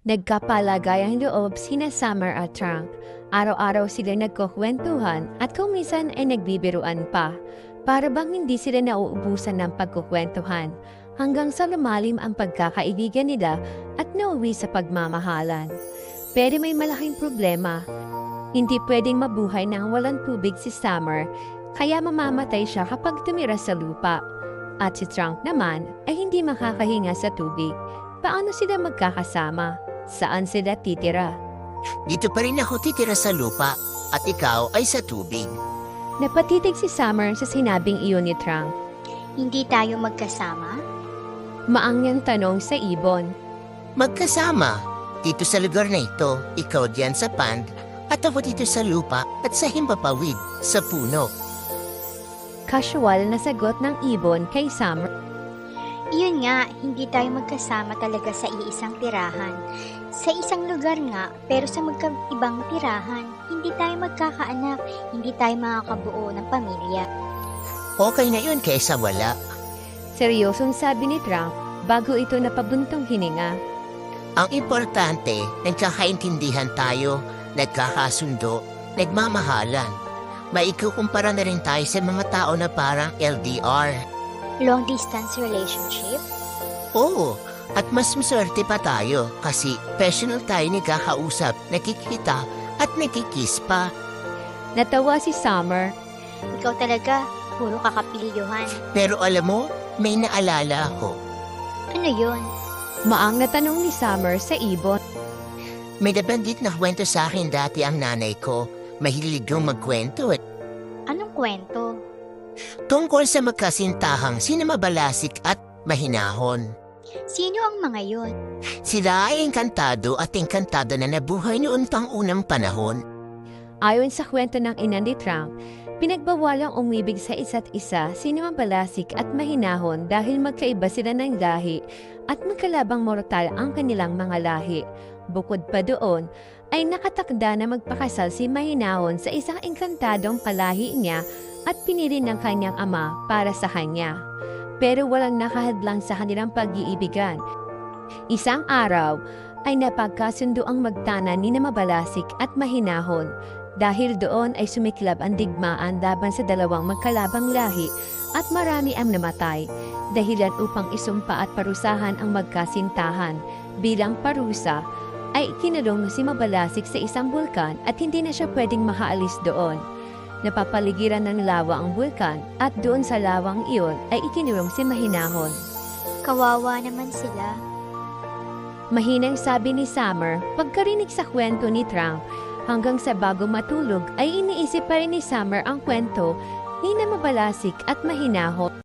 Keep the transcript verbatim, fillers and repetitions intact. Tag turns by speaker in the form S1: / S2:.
S1: Nagkapalagayang loob sina Summer at Trunk. Araw-araw sila nagkukwentuhan at kung minsan ay nagbibiruan pa. Para bang hindi sila nauubusan ng pagkukwentuhan hanggang sa lumalim ang pagkakaibigan nila at nauwi sa pagmamahalan. Pero may malaking problema. Hindi pwedeng mabuhay nang walang tubig si Summer, kaya mamamatay siya kapag tumira sa lupa. At si Trunk naman ay hindi makakahinga sa tubig. Paano sila magkakasama? Saan sila titira?
S2: Dito pa rin ako titira sa lupa at ikaw ay sa tubig.
S1: Napatitig si Summer sa sinabing iyon ni Trunk.
S3: Hindi tayo magkasama?
S1: Maangyang tanong sa ibon.
S2: Magkasama. Dito sa lugar na ito, ikaw diyan sa pond at ako dito sa lupa at sa himpapawid sa puno.
S1: Casual na sagot ng ibon kay Summer.
S3: Iyon nga, hindi tayo magkasama talaga sa iisang tirahan. Sa isang lugar nga, pero sa magkaibang tirahan, hindi tayo magkakaanak, hindi tayo makakabuo ng pamilya.
S2: Okay na yun kaysa wala.
S1: Seryosong sabi ni Trunk bago ito napabuntong hininga.
S2: Ang importante, nagkakaintindihan tayo, nagkakasundo, nagmamahalan. Maikukumpara na rin tayo sa mga tao na parang L D R.
S3: Long distance relationship?
S2: Oo, at mas maswerte pa tayo kasi personal tayo nagkakausap, nakikita at nakikiss pa.
S1: Natawa si Summer.
S3: Ikaw talaga, puro kakapiliyohan.
S2: Pero alam mo, may naalala ako.
S3: Ano yun?
S1: Maang na tanong ni Summer sa ibon.
S2: May nabanggit na kwento sa akin dati ang nanay ko. Mahilig yung magkwento at
S3: Anong kwento?
S2: tungkol sa magkasintahang sina Mabalasik at Mahinahon.
S3: Sino ang mga yun?
S2: Sila ay engkantado at engkantada na nabuhay noon pang unang panahon.
S1: Ayon sa kwento ng ina ni Trunk, pinagbawalang umibig sa isa't isa sina Mabalasik at Mahinahon dahil magkaiba sila ng lahi at magkalabang mortal ang kanilang mga lahi. Bukod pa doon, ay nakatakda na magpakasal si Mahinahon sa isang engkantadong palahi niya at pinili ng kanyang ama para sa kanya. Pero walang nakahadlang sa kanilang pag-iibigan. Isang araw ay napagkasundo ang magtanan ni na Mabalasik at Mahinahon. Dahil doon ay sumiklab ang digmaan laban sa dalawang magkalabang lahi at marami ang namatay. Dahilan upang isumpa at parusahan ang magkasintahan. Bilang parusa, ay kinulong si Mabalasik sa isang bulkan at hindi na siya pwedeng makaalis doon. Napapaligiran ng lawa ang bulkan at doon sa lawang iyon ay ikinulong si Mahinahon.
S3: Kawawa naman sila.
S1: Mahinang sabi ni Summer pagkarinig sa kwento ni Trunk. Hanggang sa bago matulog ay iniisip pa rin ni Summer ang kwento ni na Mabalasik at Mahinahon.